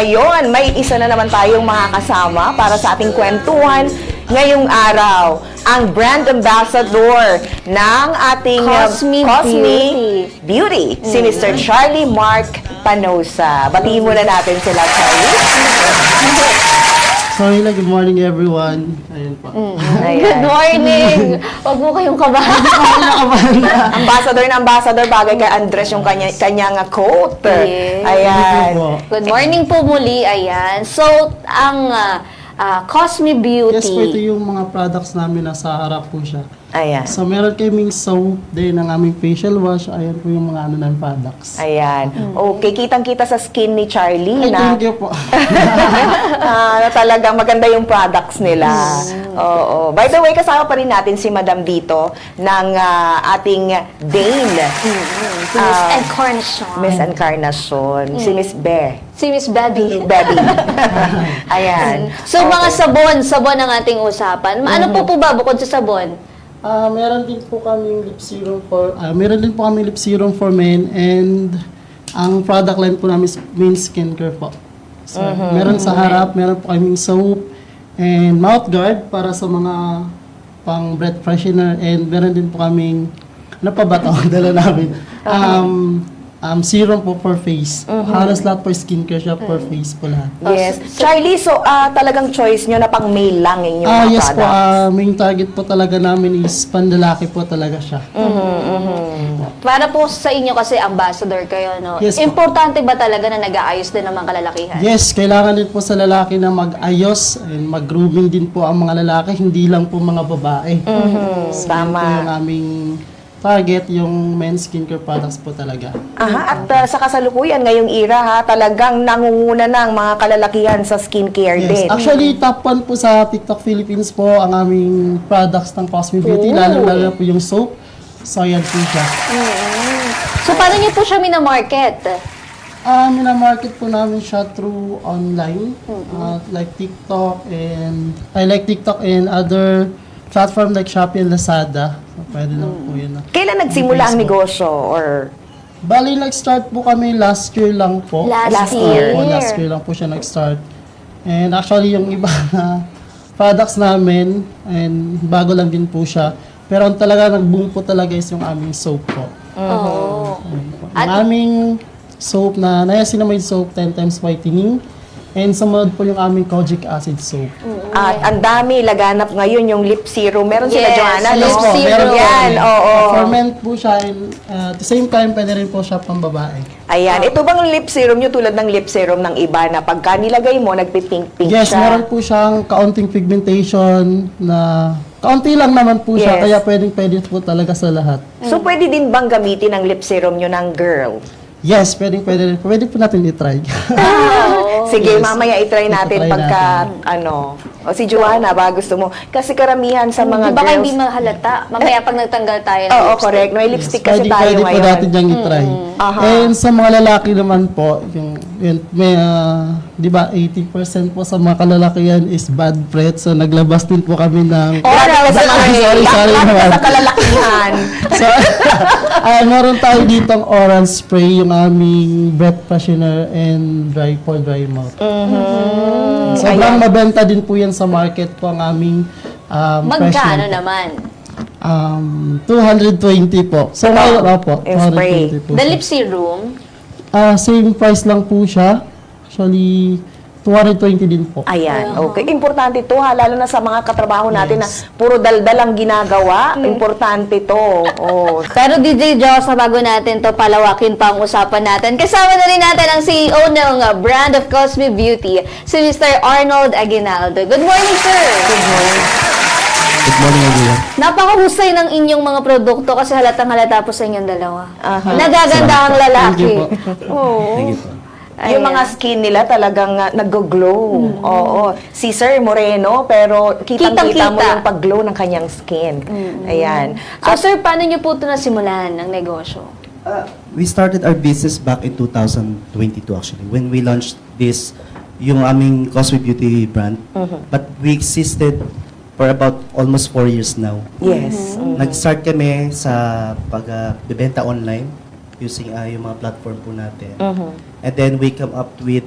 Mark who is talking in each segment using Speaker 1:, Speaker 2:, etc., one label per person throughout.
Speaker 1: ngayon, may isa na naman tayong makakasama para sa ating kwentuhan ngayong araw. Ang brand ambassador ng ating
Speaker 2: Cosme
Speaker 1: Beauty, si Mr. Charlie Mark Panosa. Batiin muna natin sila, Charlie.
Speaker 3: So, good morning everyone. Ayun po.
Speaker 2: Good morning! Huwag mo kayong kabahan.
Speaker 1: Ambassador na ambassador, bagay kay Andres yung kanyang coat.
Speaker 2: Yes.
Speaker 1: Ayan.
Speaker 2: Good morning po muli. Ayan. So, ang Cosme Beauty.
Speaker 3: Yes po, ito yung mga products namin nasa harap po siya.
Speaker 1: Ayan.
Speaker 3: So, meron kaming soap, din ang aming facial wash. Ayan po yung mga ng products.
Speaker 1: Ayan. Okay, kitang-kita sa skin ni Charlie
Speaker 3: Ay,
Speaker 1: na,
Speaker 3: thank you po.
Speaker 1: na talagang maganda yung products nila. Oo. By the way, kasama pa rin natin si Madam dito ng ating Dane.
Speaker 2: Si Miss Encarnacion.
Speaker 1: Miss Encarnacion. Si Miss Be.
Speaker 2: Si Miss Bebby.
Speaker 1: Bebby. Ayan.
Speaker 2: So, mga sabon ang ating usapan. Ano po ba bukod sa sabon?
Speaker 3: Meron din po kaming lip serum for men, and ang product line po namin is main skincare po. So, meron sa harap, meron po kaming soap and mouth guard para sa mga pang breath freshener, and meron din po kaming ano pa ba ito? Dala namin. Serum po for face. Halos lahat po skincare siya for face po lahat.
Speaker 1: Yes. Charlie, so talagang choice nyo na pang male lang yung mga
Speaker 3: Yes po,
Speaker 1: products.
Speaker 3: main target po talaga namin is pandalaki po talaga siya.
Speaker 2: Para po sa inyo kasi ambassador kayo, no?
Speaker 3: Yes po.
Speaker 2: Importante ba talaga na nag-aayos din ng mga kalalakihan?
Speaker 3: Yes, kailangan din po sa lalaki na mag-ayos and mag-grooming din po ang mga lalaki, hindi lang po mga babae. So, yun po yung aming target, yung men's skincare products po talaga.
Speaker 1: Aha, at sa kasalukuyan, ngayong era ha, talagang nangunguna ng mga kalalakihan sa skincare din.
Speaker 3: Yes, actually top 1 po sa TikTok Philippines po ang aming products ng Cosme Beauty, lalo po yung soap. So, yan po siya.
Speaker 2: So, paano niyo po siya minamarket?
Speaker 3: Minamarket po namin siya through online, like TikTok and other platform like Shopee and Lazada. So, pwede lang po yun.
Speaker 1: Kailan nagsimula ang negosyo? Or
Speaker 3: Bali, nag-start po kami last year lang po.
Speaker 2: Last year.
Speaker 3: Last year lang po siya nag-start. And actually, yung iba na products namin, and bago lang din po siya. Pero ang talaga nag-boom po talaga is yung aming soap po.
Speaker 2: Oo.
Speaker 3: Yung aming soap na niacinamide soap, 10 times whitening. And sumunod po yung aming kojic acid soap.
Speaker 1: at ang dami, laganap ngayon yung lip serum. Meron sila,
Speaker 2: Yes,
Speaker 1: Joanna, no?
Speaker 2: lip serum.
Speaker 3: Meron po.
Speaker 1: Yan, oo.
Speaker 3: For men po siya, and at the same time, pwede rin po siya pang babae.
Speaker 1: Ayan, ito bang lip serum nyo tulad ng lip serum ng iba na pagka nilagay mo, nagpipink-pink
Speaker 3: Yes,
Speaker 1: siya?
Speaker 3: meron po siyang kaunting pigmentation na kaunti lang naman po siya,
Speaker 1: Yes.
Speaker 3: kaya pwede po talaga sa lahat.
Speaker 1: So, pwede din bang gamitin ang lip serum nyo ng girl?
Speaker 3: Yes, pwede rin. Pwede po natin i-try.
Speaker 1: Sige,
Speaker 3: Yes.
Speaker 1: mamaya i-try natin
Speaker 3: I-try
Speaker 1: pagka, o si Joanna, ba gusto mo? Kasi karamihan sa mga
Speaker 2: Baka
Speaker 1: girls...
Speaker 2: hindi mahalata. Mamaya pag nagtanggal tayo ng
Speaker 1: Oo,
Speaker 2: lipstick.
Speaker 1: correct. May lipstick kasi tayo
Speaker 3: Pwede po
Speaker 1: ngayon.
Speaker 3: natin niyang i-try.
Speaker 1: Aha.
Speaker 3: And sa mga lalaki naman po, may, di ba, 80% po sa mga kalalakihan is bad breath. So, naglabas din po kami ng...
Speaker 1: Oral spray.
Speaker 3: Sorry
Speaker 1: Lahat
Speaker 3: naman.
Speaker 1: sa kalalakihan.
Speaker 3: So, meron tayo ditong oral spray, yung aming breath freshener and dry mouth. Sobrang mabenta din po yan sa market po ang aming
Speaker 2: Magkano
Speaker 3: freshener.
Speaker 2: naman?
Speaker 3: 220 po. So, ngayon, opo,
Speaker 1: Yung spray.
Speaker 3: 220 po.
Speaker 2: The
Speaker 3: siya.
Speaker 2: lip serum?
Speaker 3: Same price lang po siya. Actually, 220 din po.
Speaker 1: Ayan, okay. Importante to ha, lalo na sa mga katrabaho natin na puro daldal ang ginagawa. Importante to. Oh.
Speaker 2: Pero DJ Joss, na bago natin to palawakin pa ang usapan natin, kasama na rin natin ang CEO ng brand of Cosme Beauty, si Mr. Arnold Aguinaldo. Good morning, sir!
Speaker 1: Good morning.
Speaker 4: Good morning, everyone.
Speaker 2: Napakahusay ng inyong mga produkto kasi halatang-halata po sa inyong dalawa.
Speaker 1: Aha.
Speaker 2: Nagaganda ang lalaki.
Speaker 3: Thank you
Speaker 2: Oo.
Speaker 4: Thank you po.
Speaker 1: Yung mga skin nila talagang nag-glow. Oo. Si Sir Moreno, pero kitang-kita mo
Speaker 2: Kitang-kita.
Speaker 1: yung pag-glow ng kanyang skin. Ayan.
Speaker 2: So, sir, paano niyo po ito nasimulan ng negosyo?
Speaker 4: We started our business back in 2022 actually, when we launched this, yung aming Cosme Beauty brand. But we existed for about almost 4 years now.
Speaker 1: Yes.
Speaker 4: Nag-start kami sa pagbebenta online using yung mga platform po natin. And then we came up with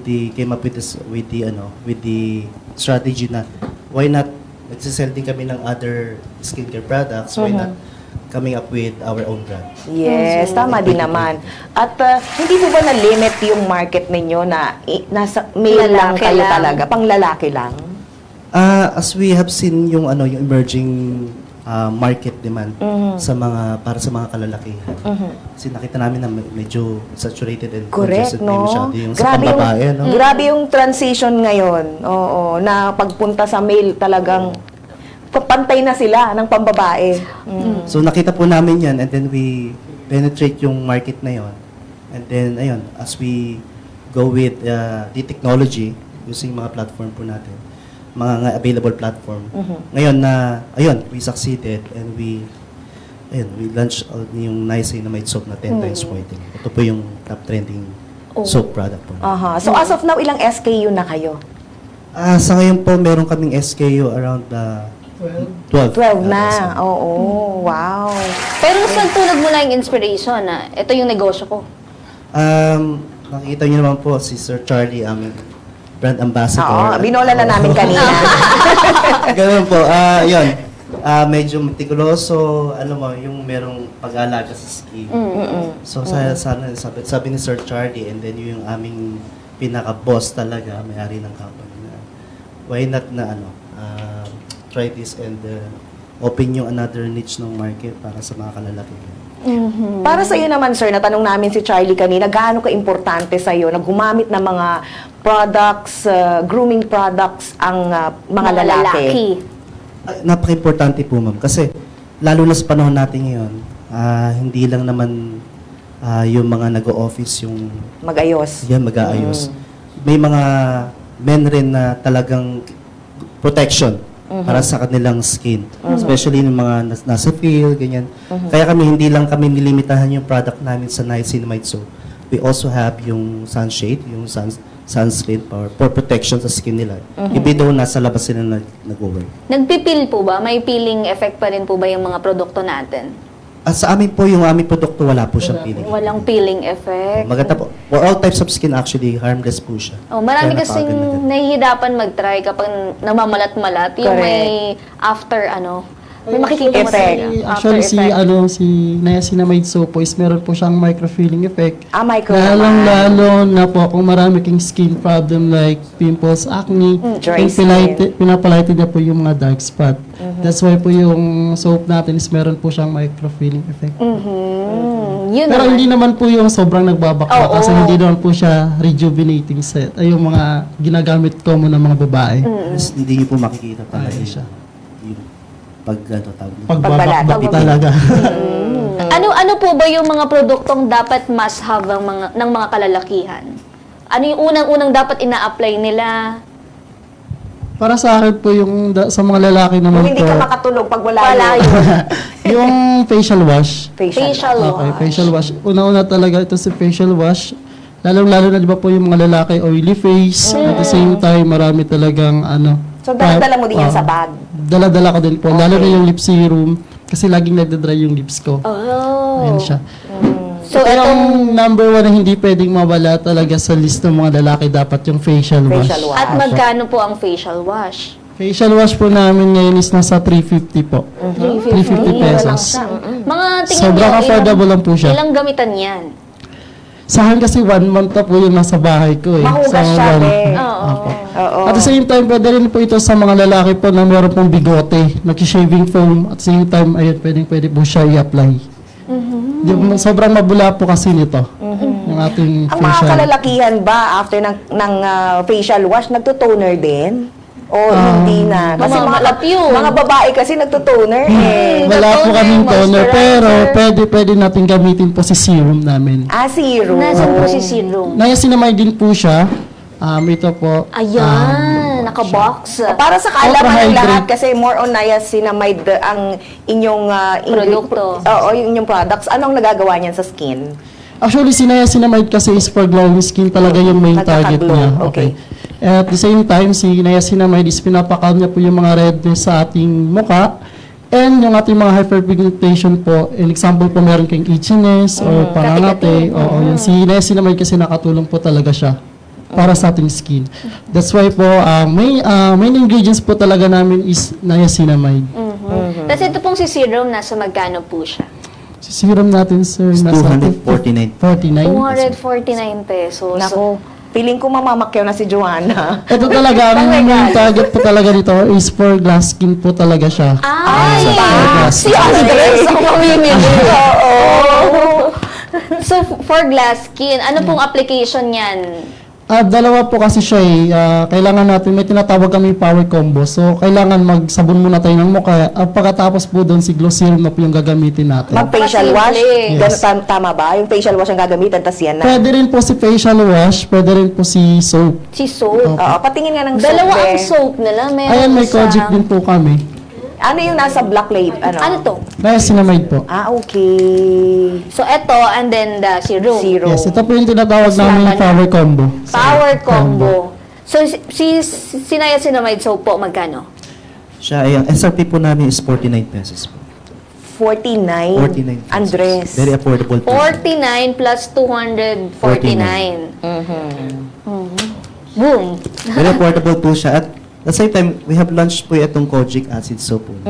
Speaker 4: the strategy na why not nagsisell din kami ng other skincare products, why not coming up with our own brand.
Speaker 1: Yes, tama din naman. At hindi po ba na-limit yung market ninyo na nasa male lang
Speaker 2: Lalaki
Speaker 1: kayo
Speaker 2: lang.
Speaker 1: talaga, pang lalaki lang?
Speaker 4: As we have seen yung yung emerging market demand para sa mga kalalakihan. Kasi nakita namin na medyo saturated and
Speaker 1: Correct,
Speaker 4: congested na
Speaker 1: no?
Speaker 4: masyado yung sa pambabae, no?
Speaker 1: Grabe yung transition ngayon. Oo, na pagpunta sa male talagang pantay na sila ng pambabae.
Speaker 4: So nakita po namin yan and then we penetrate yung market na yon. And then ayun, as we go with the technology using mga platform po natin, mga available platform. Ngayon we succeeded and we launched yung niacinamide soap na 10 times whitening. Ito po yung top trending soap product po.
Speaker 1: Aha. So as of now, ilang SKU na kayo?
Speaker 4: Sa ngayon po, meron kaming SKU around 12.
Speaker 1: 12 na. Oo. Wow.
Speaker 2: Pero mas nagtulog mo lang yung inspiration na ito yung negosyo ko.
Speaker 4: Nakikita niyo naman po si Sir Charlie, aming brand ambassador.
Speaker 1: Oo, binola na namin kanina.
Speaker 4: Ganun po. Yun. Medyo meticuloso, yung merong pag-aalaga sa skin. So, sabi ni Sir Charlie, and then yung aming pinaka-boss talaga, may-ari ng company na, why not na try this and open yung another niche ng market para sa mga kalalakihan.
Speaker 1: Para sa iyo naman, sir, natanong namin si Charlie kanina, gaano ka-importante sa iyo na gumamit ng mga products, grooming products ang mga lalaki?
Speaker 4: Napaka-importante po, ma'am. Kasi, lalo na sa panahon natin ngayon, hindi lang naman yung mga nag-o-office yung
Speaker 1: Mag-ayos.
Speaker 4: yan, mag-aayos. May mga men rin na talagang protection para sa kanilang skin. Especially yung mga nasa field, ganyan. Kaya hindi lang kami nilimitahan yung product namin sa niacinamide soap. We also have yung sunshade, yung sunscreen for protection sa skin nila. Even though nasa labas sila nag-work.
Speaker 2: Nagpipil po ba? May peeling effect pa rin po ba yung mga produkto natin?
Speaker 4: Sa amin po, yung aming produkto, wala po siyang peeling.
Speaker 2: Walang peeling effect.
Speaker 4: Maganda po. For all types of skin, actually, harmless po siya.
Speaker 2: Marami
Speaker 4: Kaya
Speaker 2: kasing
Speaker 4: napakaganda.
Speaker 2: nahihirapan mag-try kapag namamalat-malat. Yung may after may makikita mo
Speaker 1: Effect.
Speaker 2: talaga.
Speaker 3: Actually,
Speaker 2: After effect.
Speaker 3: si niacinamide soap po is meron po siyang microfilling effect.
Speaker 1: Micro naman.
Speaker 3: Lalong-lalo na po kung marami kang skin problem like pimples, acne,
Speaker 1: dry
Speaker 3: pinapalighted niya po yung mga dark spot. That's why po yung soap natin is meron po siyang microfilling effect.
Speaker 2: Yun
Speaker 3: Pero
Speaker 2: naman.
Speaker 3: hindi naman po yung sobrang nagbabakla kasi hindi naman po siya rejuvenating set. Ay yung mga ginagamit ko mo ng mga babae.
Speaker 4: Yes, hindi niyo po makikita talaga
Speaker 3: Ayun
Speaker 4: siya. Yung tawag niyo.
Speaker 3: Pagbabakbak talaga.
Speaker 2: Ano po ba yung mga produktong dapat must have ng mga kalalakihan? Ano yung unang-unang dapat ina-apply nila?
Speaker 3: Para sa akin po yung sa mga lalaki
Speaker 1: Kung
Speaker 3: naman
Speaker 1: hindi
Speaker 3: po,
Speaker 1: ka makatulog pag wala
Speaker 2: Wala
Speaker 1: yun.
Speaker 2: yun.
Speaker 3: yung facial wash.
Speaker 2: Facial
Speaker 3: Okay,
Speaker 2: wash.
Speaker 3: facial wash. Una-una talaga ito si facial wash. Lalong-lalo na di ba po yung mga lalaki oily face. At the same time, marami talagang
Speaker 1: So, dala-dala mo din yan sa bag.
Speaker 3: Dala-dala ko din po. Lalo na yung lip serum. Kasi laging nagda-dry yung lips ko.
Speaker 2: Oh.
Speaker 3: Ayan siya.
Speaker 2: So,
Speaker 3: Ito
Speaker 2: itong
Speaker 3: yung number one na hindi pwedeng mawala talaga sa list ng mga lalaki. Dapat yung facial wash.
Speaker 1: Facial wash.
Speaker 2: at magkano po ang facial wash?
Speaker 3: Facial wash po namin ngayon is nasa 350 po. 350 pesos.
Speaker 2: Mga tingin
Speaker 3: Sobrang
Speaker 2: nyo,
Speaker 3: affordable lang po siya.
Speaker 2: Ilang gamitan yan?
Speaker 3: Sa akin kasi 1 month na po yung nasa bahay ko eh.
Speaker 1: Mahugas
Speaker 3: Sa
Speaker 1: siya,
Speaker 3: one-
Speaker 1: eh.
Speaker 2: Oo.
Speaker 3: Opo.
Speaker 1: Oo.
Speaker 3: At the same time, pwede rin po ito sa mga lalaki po na meron pong bigote, nag-shaving foam. At the same time, ayun, pwede po siya i-apply. Sobrang mabula po kasi nito. Yung ating
Speaker 1: Ang mga
Speaker 3: facial.
Speaker 1: kalalakihan ba after ng facial wash, nagtutoner din? O hindi na? Kasi
Speaker 2: Mamamalap yun.
Speaker 1: mga babae kasi nagtutoner eh.
Speaker 3: Wala po
Speaker 2: toner,
Speaker 3: kaming toner, pero
Speaker 2: moisturizer.
Speaker 3: pwede natin gamitin po si serum namin.
Speaker 1: Serum.
Speaker 2: Nasaan po si serum?
Speaker 3: Niacinamide din po siya. Ito po.
Speaker 2: Ayan, naka-box.
Speaker 1: Para sa kaalaman ng
Speaker 3: Ultra-hydrate.
Speaker 1: lahat, kasi more on niacinamide ang inyong
Speaker 2: Produkto.
Speaker 1: Oo, yung inyong products. Anong nagagawa niyan sa skin?
Speaker 3: Actually, si niacinamide kasi is for glowing skin talaga yung main target
Speaker 1: Nagkaka-glow,
Speaker 3: niya.
Speaker 1: okay.
Speaker 3: At the same time, si niacinamide is pinapakalm niya po yung mga redness sa ating muka. And yung ating mga hyperpigmentation po, in example po meron kayong itchiness or pangangate. Oo, yung si niacinamide kasi nakatulong po talaga siya para sa ating skin. That's why po, main ingredients po talaga namin is niacinamide.
Speaker 2: Tapos ito pong si serum, nasa magkano po siya?
Speaker 3: Si serum natin, sir,
Speaker 4: It's
Speaker 3: nasa
Speaker 4: 249.
Speaker 3: 49.
Speaker 2: 249 pesos.
Speaker 1: Nako, feeling ko mamamakyaw na si Joanna.
Speaker 3: Ito talaga, ang main target po talaga nito is for glass skin po talaga siya.
Speaker 2: Ay!
Speaker 3: Yes.
Speaker 2: Si Andres ang mamimili. Oo. So, for glass skin, ano pong application yan?
Speaker 3: Dalawa po kasi siya eh. Kailangan natin, may tinatawag kami power combo. So, kailangan magsabon muna tayo ng mukha. Pagkatapos po doon, si glow serum na po yung gagamitin natin.
Speaker 1: Mag-facial wash?
Speaker 2: Yes.
Speaker 1: Tama ba? Yung facial wash ang gagamitan, tas yan na.
Speaker 3: Pwede rin po si facial wash, pwede rin po si soap.
Speaker 2: Si soap.
Speaker 1: Oo, patingin nga ng soap.
Speaker 2: Dalawa ang
Speaker 1: eh.
Speaker 2: soap nila. Meron
Speaker 3: Ayan, may
Speaker 2: isang-
Speaker 3: Kojic din po kami.
Speaker 1: Ano yung nasa black label?
Speaker 2: Ano to?
Speaker 3: Niacinamide po.
Speaker 1: Okay.
Speaker 2: So, ito, and then the serum.
Speaker 1: Zero.
Speaker 3: Yes, ito po yung tinatawag namin
Speaker 2: Laban.
Speaker 3: power combo.
Speaker 2: Power combo. So, si niacinamide soap po, magkano?
Speaker 4: Siya, ang SRP po namin is 49 pesos po.
Speaker 1: 49.
Speaker 4: 49 pesos.
Speaker 1: Andres.
Speaker 4: Very affordable po.
Speaker 2: 49 plus 249. Boom.
Speaker 4: Very affordable po siya. At the same time, we have launched po itong Kojic Acid Soap po.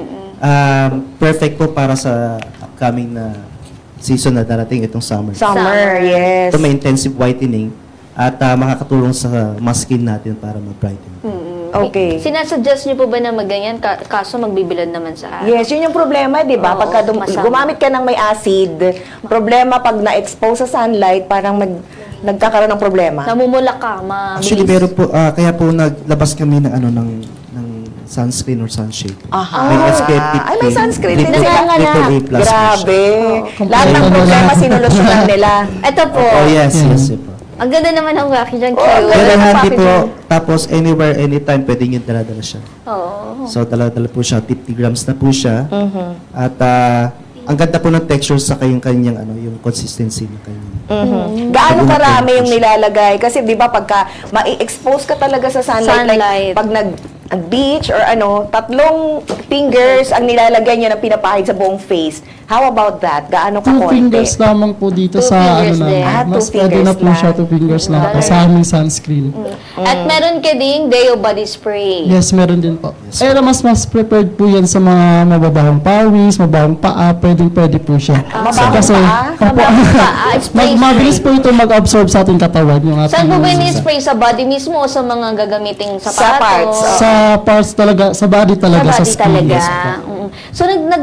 Speaker 4: Perfect po para sa upcoming na season na darating itong summer.
Speaker 1: Summer, yes.
Speaker 4: Ito may intensive whitening at makakatulong sa mask skin natin para mag-brighten.
Speaker 1: Okay.
Speaker 2: Sinasuggest niyo po ba na magganyan? Kaso magbibilad naman sa araw.
Speaker 1: Yes, yun yung problema, di ba?
Speaker 2: Oo,
Speaker 1: Pagka
Speaker 2: masama.
Speaker 1: gumamit ka ng may acid, problema pag na-expose sa sunlight, parang nagkakaroon ng problema.
Speaker 2: Namumula ka, mabilis.
Speaker 4: Actually, meron po, kaya po naglabas kami ng ng sunscreen or sunshade.
Speaker 1: Aha.
Speaker 4: May SPF 50.
Speaker 1: Ay, may sunscreen din
Speaker 4: triple-
Speaker 1: sila.
Speaker 4: triple A plus po siya.
Speaker 1: Grabe.
Speaker 3: Oh,
Speaker 1: Lahat ng
Speaker 3: kompleto
Speaker 1: problema
Speaker 3: na.
Speaker 1: sinulusyonan nila.
Speaker 2: Ito po.
Speaker 4: Oh, yes, yes po.
Speaker 2: Ang ganda naman ng packaging.
Speaker 1: Oh,
Speaker 2: Cute.
Speaker 4: Very
Speaker 1: ang
Speaker 4: handy po.
Speaker 1: packaging.
Speaker 4: Tapos, anywhere, anytime, pwede nyo dala-dala siya.
Speaker 2: Oo.
Speaker 4: So, dala-dala po siya. 50 grams na po siya. At, ang ganda po ng texture sa kanyang yung consistency ng kanyang.
Speaker 1: Gaano
Speaker 4: Pag
Speaker 1: karami yung
Speaker 4: push.
Speaker 1: nilalagay? Kasi di ba pagka ma-expose ka talaga sa sunlight,
Speaker 2: Sunlight.
Speaker 1: like pag nag-beach or 3 fingers ang nilalagay niya na pinapahid sa buong face. How about that? Gaano ka
Speaker 3: 2 fingers lamang po dito
Speaker 2: 2
Speaker 3: sa
Speaker 2: fingers
Speaker 3: ano
Speaker 2: din.
Speaker 3: namin. Mas
Speaker 1: 2
Speaker 3: pwede na
Speaker 1: fingers
Speaker 3: po siya
Speaker 1: lang.
Speaker 3: 2 fingers lang po sa aming sunscreen.
Speaker 2: At meron ka ding Deo Body Spray.
Speaker 3: Yes, meron din po. Pero mas prepared po yan sa mga mababahong pawis, mababahong paa, pwede po siya.
Speaker 1: Mababahong
Speaker 3: Kasi,
Speaker 1: paa?
Speaker 3: opo,
Speaker 2: Spray,
Speaker 3: mabilis po ito mag-absorb sa ating katawan. Yung ating
Speaker 2: Saan po ba ini-spray? Sa body mismo o sa mga gagamiting sapatos?
Speaker 1: Sa parts,
Speaker 3: Sa parts talaga, sa body talaga,
Speaker 2: Sa
Speaker 3: sa
Speaker 2: body
Speaker 3: skin.
Speaker 2: talaga.
Speaker 3: Yes, po.
Speaker 2: So,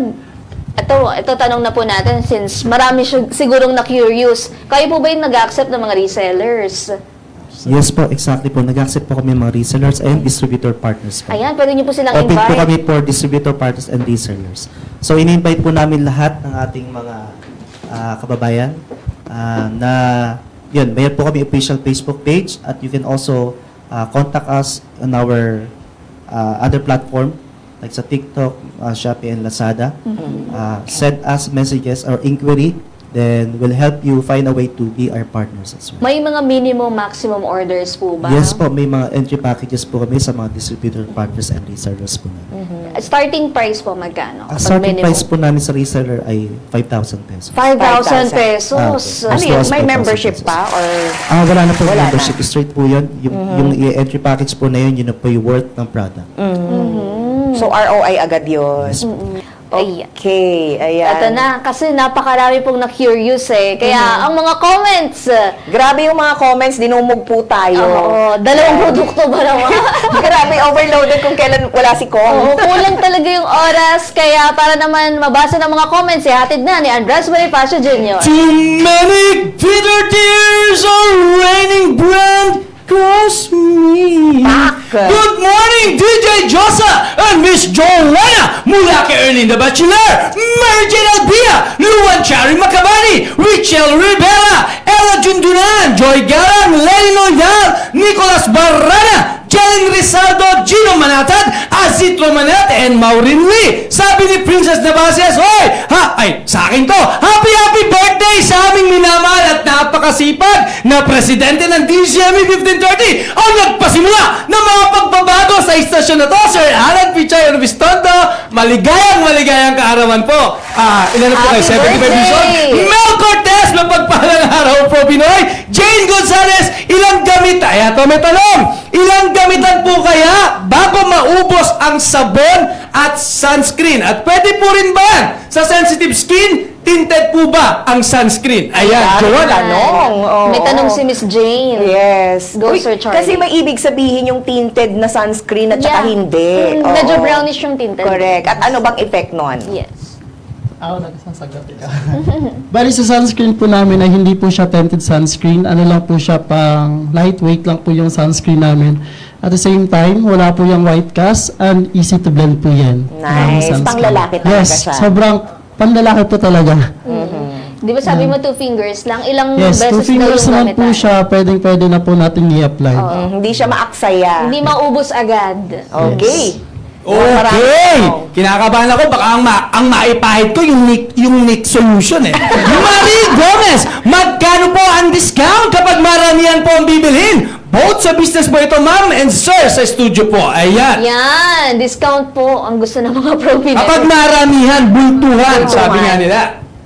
Speaker 2: ito tanong na po natin since marami sigurong na-curious. Kayo po ba yung nag-accept ng mga resellers?
Speaker 4: Yes po, exactly po. Nag-accept po kami ng mga resellers and distributor partners po.
Speaker 2: Ayan, pwede niyo po silang
Speaker 4: Open po
Speaker 2: invite.
Speaker 4: kami for distributor partners and resellers. So, in-invite po namin lahat ng ating mga kababayan na yun, mayroon po kami official Facebook page at you can also contact us on our other platform like sa TikTok, Shopee, and Lazada. Send us messages or inquiry, then we'll help you find a way to be our partners as well.
Speaker 2: May mga minimum, maximum orders po ba?
Speaker 4: Yes po, may mga entry packages po kami sa mga distributor partners and resellers po namin.
Speaker 2: Starting price po magkano?
Speaker 4: Ang
Speaker 2: Kapag
Speaker 4: starting
Speaker 2: minimum?
Speaker 4: price po namin sa reseller ay 5,000 pesos.
Speaker 2: 5,000 pesos.
Speaker 4: Ah,
Speaker 1: Ano
Speaker 4: okay.
Speaker 1: yun?
Speaker 4: Mas
Speaker 1: May
Speaker 4: 5,000
Speaker 1: membership
Speaker 4: pesos.
Speaker 1: pa? Or
Speaker 4: Wala na po
Speaker 1: Wala
Speaker 4: membership. Straight po yun. Yung entry package po na yun na po yung worth ng product.
Speaker 1: so ROI agad yun?
Speaker 4: Yes po.
Speaker 2: Ayan.
Speaker 1: Okay, ayan.
Speaker 2: Ito na, kasi napakarami pong na-curious eh. Kaya ang mga comments,
Speaker 1: Grabe yung mga comments, dinumog po tayo.
Speaker 2: oo, dalawang produkto ba naman?
Speaker 1: Grabe, overloaded kung kailan wala si Kong.
Speaker 2: Oo, kulang talaga yung oras. Kaya para naman mabasa ng mga comments, hatid na ni Andres Bonifacio Jr.
Speaker 5: Too many bitter tears are raining brand across me. Good morning, DJ Josa and Miss Joanna mula kay Ernie the Bachelor, Mary Jane Albia, Luan Chari Macabani, Richel Rivera, Ella Jundunan, Joy Garan, Lenny Loyal, Nicolas Barrana, Jelen Rizaldo, Gino Manatad, Basit Romanet and Maureen Lee. Sabi ni Princess Navases, sa akin to, happy birthday sa aming minamahal at napakasipag na presidente ng DCME 1530 ang nagpasimula ng mga pagbabago sa istasyon na to, Sir Alan Pichay Orbistondo. Maligayang kaarawan po. Ilan na po kayo? 75 years old? Mel Cortez, mapagpahalang araw po, Pinoy. Jane Gonzalez, ilang gamit? Ay, ito may tanong. Ilang gamitan po kaya bago maubos ang sabon at sunscreen? At pwede po rin ba sa sensitive skin, tinted po ba ang sunscreen? Ayan, Joanna.
Speaker 1: Tanong. Oo.
Speaker 2: May tanong si Miss Jane.
Speaker 1: Yes.
Speaker 2: Go, Sir Charlie.
Speaker 1: Kasi may ibig sabihin yung tinted na sunscreen at saka
Speaker 2: Yeah.
Speaker 1: hindi.
Speaker 2: Medyo
Speaker 1: Oo.
Speaker 2: brownish yung tinted.
Speaker 1: Correct. At ano bang effect nun?
Speaker 2: Yes.
Speaker 3: Ako nagsasagot ka. Bali sa sunscreen po namin ay hindi po siya tinted sunscreen. Ano lang po siya, pang lightweight lang po yung sunscreen namin. At the same time, wala po yung white cast and easy to blend po yan.
Speaker 1: Nice.
Speaker 3: Ang sunscreen.
Speaker 1: Panglalaki talaga
Speaker 3: yes,
Speaker 1: siya.
Speaker 3: sobrang panlalaki po talaga.
Speaker 2: Di ba sabi mo 2 fingers lang? Ilang
Speaker 3: Yes,
Speaker 2: beses
Speaker 3: 2 fingers
Speaker 2: daw yung
Speaker 3: naman po
Speaker 2: gamitan?
Speaker 3: siya. Pwede na po natin i-apply.
Speaker 1: Hindi siya maaksaya.
Speaker 2: Hindi maubos agad.
Speaker 1: Okay.
Speaker 5: Okay! Kinakabahan ako, baka ang maipahid ko yung Nick solution eh. Marie Gomez, magkano po ang discount kapag maramihan po ang bibilhin? Both sa business po ito, ma'am, and sir, sa studio po. Ayan.
Speaker 2: Yan, discount po ang gusto ng mga pro Pinoy.
Speaker 5: Kapag maramihan, bultuhan, sabi nga nila.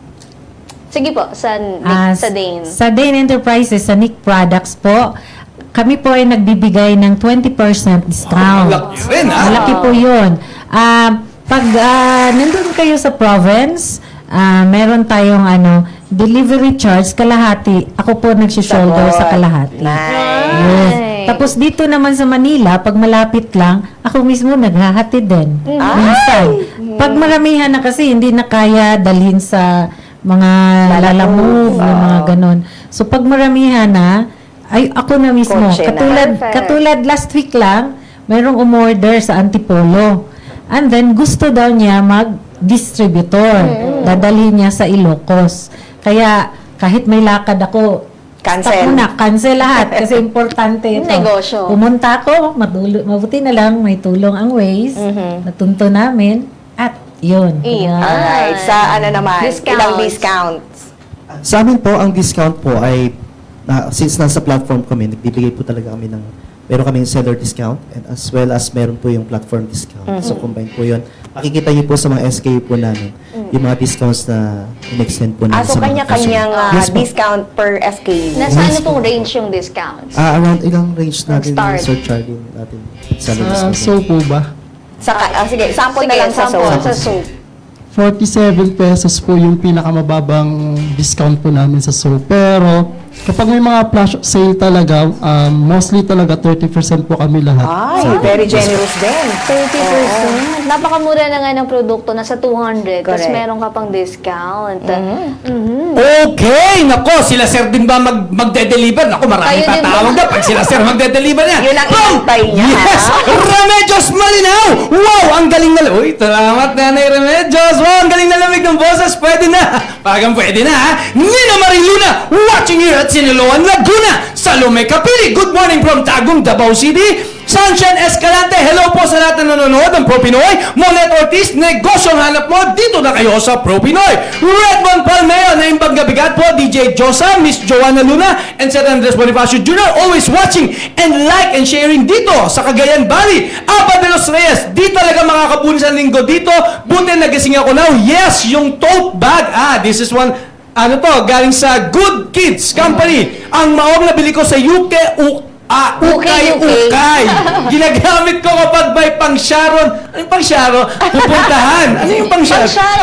Speaker 2: Sige po, sa Dane.
Speaker 6: Sa Dane Enterprises, sa Nick Products po, kami po ay nagbibigay ng 20% discount.
Speaker 5: Malaki rin, ha?
Speaker 6: Malaki po yun. Pag nandun kayo sa province, meron tayong delivery charge, kalahati. Ako po nagsishoulder sa kalahati.
Speaker 1: Nice.
Speaker 6: Yes. Tapos dito naman sa Manila, pag malapit lang, ako mismo naghahatid din. Minsan. Pag maramihan na kasi, hindi na kaya dalhin sa mga lalamove, yung mga ganon. So pag maramihan na, ay ako na mismo.
Speaker 1: Kotse na.
Speaker 6: Katulad last week lang, mayroong umorder sa Antipolo. And then gusto daw niya mag-distributor. Dadalhin niya sa Ilocos. Kaya kahit may lakad ako,
Speaker 1: Cancel.
Speaker 6: stop muna, cancel lahat kasi importante ito.
Speaker 2: Negosyo.
Speaker 6: Pumunta ako, mabuti na lang may tulong ang Waze, natunto namin, at yun.
Speaker 2: Iyan.
Speaker 1: Alright. Sa naman,
Speaker 2: Discounts.
Speaker 1: ilang discounts?
Speaker 4: Sa amin po, ang discount po ay, since nasa platform kami, nagbibigay po talaga kami ng, meron kaming seller discount and as well as meron po yung platform discount. So combine po yun. Makikita niyo po sa mga SKU po namin, yung mga discounts na in-extend po namin
Speaker 1: So
Speaker 4: sa mga
Speaker 1: kanya-kanyang
Speaker 4: customer. Yes po.
Speaker 1: discount per SKU.
Speaker 2: Nasa ano pong range yung discounts?
Speaker 4: Around ilang range natin
Speaker 2: Start.
Speaker 4: yung Sir Charlie natin seller
Speaker 3: Sa
Speaker 4: discount.
Speaker 3: soap po ba?
Speaker 1: Sige, sample na lang sa
Speaker 2: sample
Speaker 1: soap.
Speaker 2: sa soap.
Speaker 3: 47 pesos po yung pinakamababang discount po namin sa soap. Pero kapag may mga flash sale talaga, mostly talaga 30% po kami lahat.
Speaker 1: Ay, very generous din.
Speaker 2: 30%. Napakamura na nga ng produkto, nasa 200. Tapos
Speaker 1: Correct.
Speaker 2: meron ka pang discount.
Speaker 5: Okay! Nako, sila sir din ba magde-deliver? Nako, maraming
Speaker 2: Kayo din
Speaker 5: tatawag
Speaker 2: ba?
Speaker 5: na pag sila sir magde-deliver niya.
Speaker 1: Yun ang
Speaker 5: From-
Speaker 1: inantay niya,
Speaker 5: Yes!
Speaker 1: ha?
Speaker 5: Remedios Malinaw! Wow! Ang galing na... Uy, salamat Nanay Remedios! Wow! Ang galing na lamig ng boses! Pwede na! Pagang pwede na, ha? Nina Mariluna! Watching here at Siniloan, Laguna! Salome Capili! Good morning from Tagum, Davao City! Sunshine Escalante, hello po sa lahat na nanonood ng Pro Pinoy. Monet Ortiz, negosyong hanap mo, dito na kayo sa Pro Pinoy. Redmond Palmeo, na imbang gabigat po, DJ Josa, Miss Joanna Luna, and Sir Andres Bonifacio Jr. Always watching and like and sharing dito sa Cagayan Valley. Aba de los Reyes, di talaga makakapunin sa linggo dito. Buti nagising ako now. Yes, yung tote bag. This is one, galing sa Good Kids Company. Ang maong nabili ko sa UK, Ukay. Ginagamit ko kapag may pang-Sharon. Ano yung pang-Sharon? Pupuntahan. Ano yung pang-Sharon?
Speaker 2: Pang-Sharon.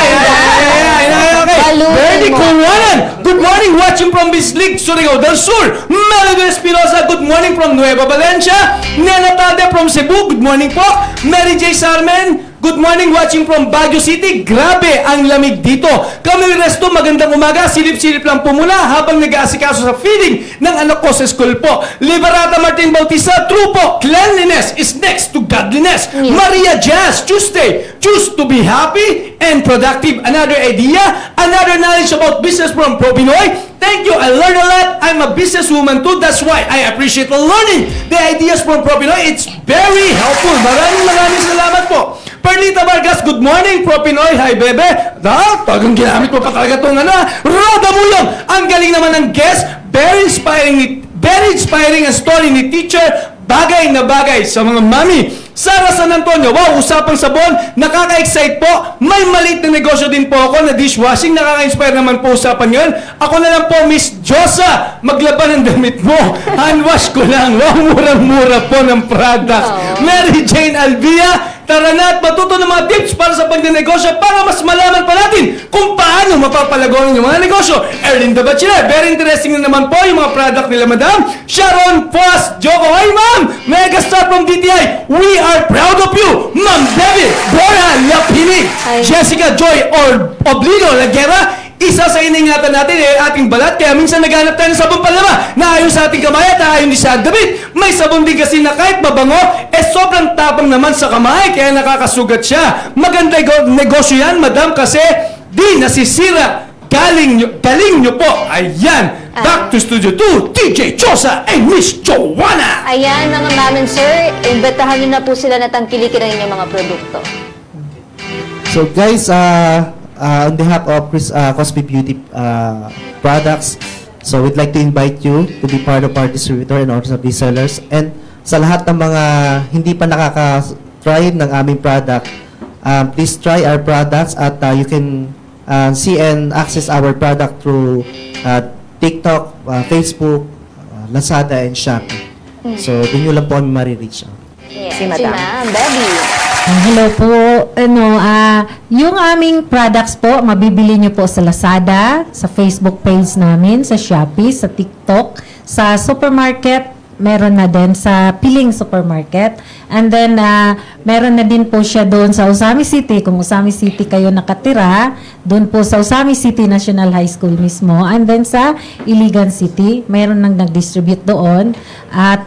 Speaker 5: Okay.
Speaker 2: Balutin
Speaker 5: Verdi
Speaker 2: mo.
Speaker 5: Kuwanan. Good morning, watching from Bislig, Surigao del Sur. Melody Espinosa, good morning from Nueva Valencia. Nena Tade from Cebu, good morning po. Mary J. Sarmen, Good morning watching from Baguio City. Grabe ang lamig dito. Kami resto, magandang umaga. Silip-silip lang po muna habang nag-aasikaso sa feeding ng anak ko sa school po. Liberata Martin Bautista, true po. Cleanliness is next to godliness. Maria Jazz, Tuesday. Choose to be happy and productive. Another idea, another knowledge about business from Pro Pinoy. Thank you. I learned a lot. I'm a businesswoman too. That's why I appreciate learning the ideas from Pro Pinoy. It's very helpful. Maraming salamat po. Perlita Vargas, good morning, Pro Pinoy. Hi, bebe. Tagang ginamit mo pa talaga itong Roda Mulong. Ang galing naman ng guest. Very inspiring ang story ni teacher. Bagay na bagay sa mga mami. Sara San Antonio, wow, usapang sabon, nakaka-excite po. May maliit na negosyo din po ako na dishwashing, nakaka-inspire naman po usapan yun. Ako na lang po, Miss Josa, maglaban ng damit mo. Handwash ko lang, wow, murang-mura po ng products. Mary Jane Alvia, tara na at matuto ng mga tips para sa pagnenegosyo para mas malaman pa natin kung paano mapapalagonin yung mga negosyo. Erlyn the Bachelor, very interesting na naman po yung mga product nila, madam. Sharon Foss, Joko, hi ma'am! Megastar from DTI, we are proud of you! Ma'am Debbie, Bora Lapini, Jessica Joy Oblido Lagera, isa sa iningatan natin ating balat, kaya minsan naghanap tayo ng sabon panlaba na ayon sa ating kamay at ayon din sa damit. May sabon din kasi na kahit mabango, sobrang tapang naman sa kamay, kaya nakakasugat siya. Maganda negosyo yan, madam, kasi di nasisira. Galing nyo po. Ayan. Back to Studio 2, DJ Josa and Miss Joanna.
Speaker 2: Ayan, mga mamin, sir. Imbitahan nyo na po sila na tangkilikin ang inyong mga produkto.
Speaker 4: So guys, on behalf of Cosby Beauty Products, so we'd like to invite you to be part of our distributor and also resellers. And sa lahat ng mga hindi pa nakaka-try ng aming product, please try our products at you can see and access our product through TikTok, Facebook, Lazada, and Shopee. So, doon nyo lang po kami marireach out.
Speaker 2: Yes,
Speaker 1: Si Madam.
Speaker 2: Debbie.
Speaker 6: Hello po. Yung aming products po, mabibili nyo po sa Lazada, sa Facebook page namin, sa Shopee, sa TikTok, sa supermarket, meron na din sa Piling Supermarket. And then, meron na din po siya doon sa Usami City. Kung Usami City kayo nakatira, doon po sa Usami City National High School mismo. And then sa Iligan City, meron nang nag-distribute doon. At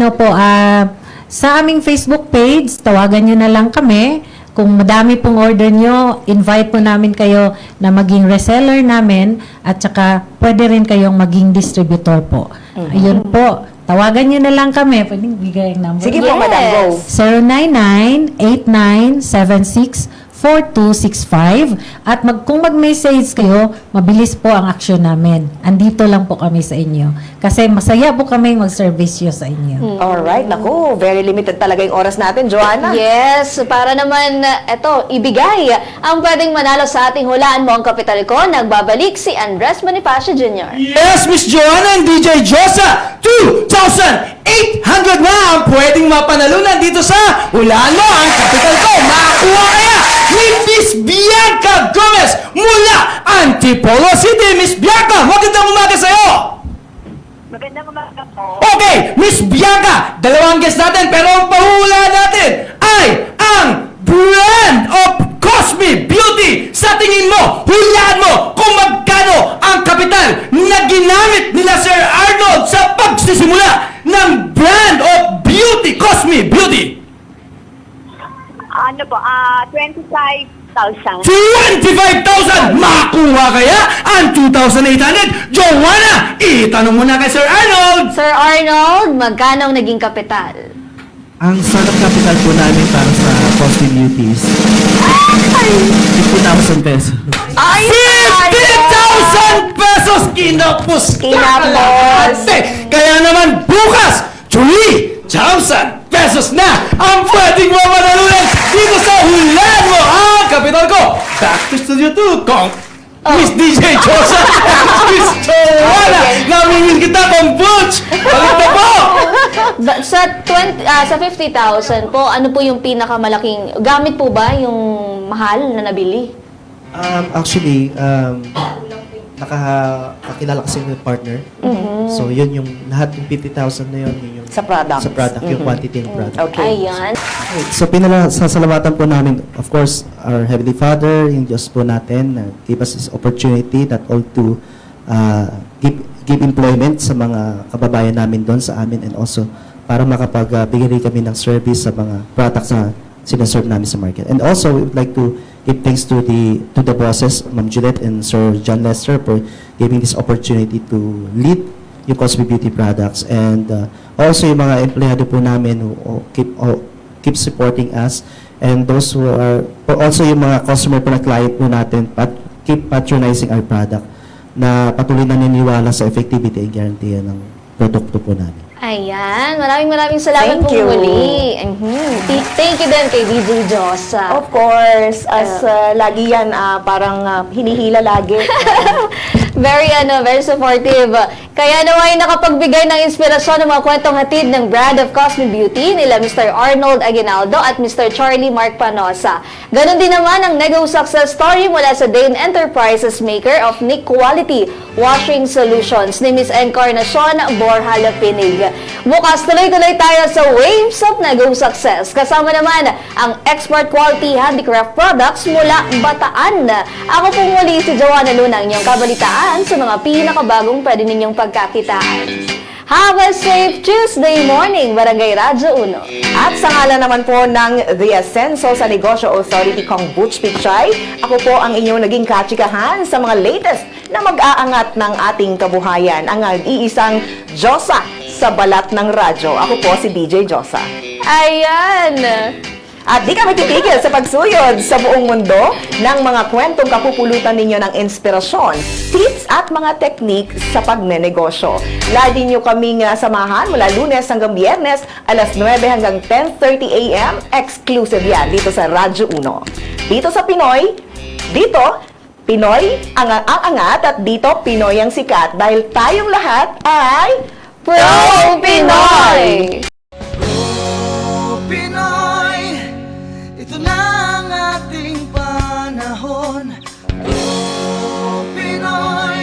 Speaker 6: sa aming Facebook page, tawagan nyo na lang kami. Kung madami pong order nyo, invite po namin kayo na maging reseller namin at saka pwede rin kayong maging distributor po. Ayun po. Tawagan nyo na lang kami. Pwedeng bigay ang number.
Speaker 1: Sige po, madam, go.
Speaker 6: 099-8976-4265. At kung mag-message kayo, mabilis po ang action namin. Andito lang po kami sa inyo. Kasi masaya po kami mag-service sa inyo.
Speaker 1: Alright, naku, very limited talaga yung oras natin, Joanna.
Speaker 2: Yes, para naman, ibigay ang pwedeng manalo sa ating Hulaan Mo ang Kapital Ko. Nagbabalik si Andres Bonifacio Jr.
Speaker 5: Yes, Miss Joanna and DJ Josa, 2,800 na ang pwedeng mapanalunan dito sa Hulaan Mo ang Kapital Ko. Makakuha kaya ni Miss Bianca Gomez mula Antipolo City. Miss Bianca, magandang umaga sa'yo!
Speaker 7: Magandang umaga po.
Speaker 5: Okay, Miss Bianca, dalawang guest natin, pero ang pahula natin ay ang brand of Cosby Beauty. Sa tingin mo, hulaan mo kung magkano ang kapital na ginamit nila Sir Arnold sa pagsisimula ng brand of beauty, Cosby Beauty.
Speaker 7: Ano po, 25,000.
Speaker 5: 25,000! Makuha kaya ang 2,800? Joanna, itanong mo na kay Sir Arnold!
Speaker 2: Sir Arnold, magkano ang naging kapital?
Speaker 4: Ang startup capital po namin para sa Cosby Beauty is 50,000 pesos.
Speaker 1: Ay,
Speaker 5: 50,000 pesos! Kinapos ka
Speaker 1: Kinapos.
Speaker 5: lahat eh. Kaya naman bukas, 3,000 pesos na ang pwedeng mamanalunan dito sa Hulaan Mo ang Kapital Ko. Back to Studio 2, Kong Miss DJ Josa, Miss Joanna. Namingin kita kong Butch. Balik na po.
Speaker 2: Sa 50,000 po, ano po yung pinakamalaking, gamit po ba yung mahal na nabili?
Speaker 4: Actually, nakakakilala kasi ng partner. So, yun yung lahat yung 50,000 na yun yung
Speaker 1: Sa product.
Speaker 4: sa product, yung quantity ng product.
Speaker 1: Okay.
Speaker 2: Ayan.
Speaker 4: So, sasalamatan po namin, of course, our Heavenly Father, yung Diyos po natin, give us this opportunity that all to give employment sa mga kababayan namin doon sa amin, and also para makapagbigay rin kami ng service sa mga products na sinaserve namin sa market. And also, we would like to give thanks to the bosses, Ma'am Juliet and Sir John Lester, for giving this opportunity to lead yung Cosby Beauty products. And also yung mga empleyado po namin who keep supporting us, and those who are also yung mga customer po na client po natin keep patronizing our product, na patuloy na naniniwala sa effectivity and guarantee ng produkto po namin.
Speaker 2: Ayan. Maraming salamat
Speaker 1: Thank
Speaker 2: po
Speaker 1: you.
Speaker 2: muli. Thank you din kay DJ Josa.
Speaker 1: Of course, as lagi yan, parang hinihila lagi.
Speaker 2: Very supportive. Kaya naman nakapagbigay ng inspirasyon ng mga kwentong hatid ng brand of Cosme Beauty nila Mr. Arnold Aguinaldo at Mr. Charlie Mark Panosa. Ganon din naman ang Nego success story mula sa Dane Enterprises maker of Nick Quality Washing Solutions ni Miss Encarnacion Borja Lapinig. Bukas tuloy-tuloy tayo sa Waves of Nego Success. Kasama naman ang export quality handicraft products mula Bataan. Ako po muli si Joanna Luna, ang inyong kabalitaan sa mga pinakabagong pwede ninyong pagkakitaan. Have a safe Tuesday morning, Barangay Radyo 1.
Speaker 1: At sa ngalan naman po ng The Ascenso sa Negosyo Authority Kong Butch Pichay, ako po ang inyong naging katsikahan sa mga latest na mag-aangat ng ating kabuhayan, ang iisang Josa sa balat ng radyo. Ako po si DJ Josa.
Speaker 2: Ayan!
Speaker 1: At di kami titigil sa pagsuyod sa buong mundo ng mga kwentong kapupulutan ninyo ng inspirasyon, tips at mga teknik sa pagnenegosyo. Lagi nyo kaming samahan mula Lunes hanggang Biyernes, alas 9 hanggang 10:30 a.m. Exclusive yan dito sa Radyo 1. Dito sa Pinoy, Pinoy ang angat at dito Pinoy ang sikat dahil tayong lahat ay
Speaker 2: Pro Pinoy!
Speaker 5: Pinoy, ito na ang ating panahon. Pinoy.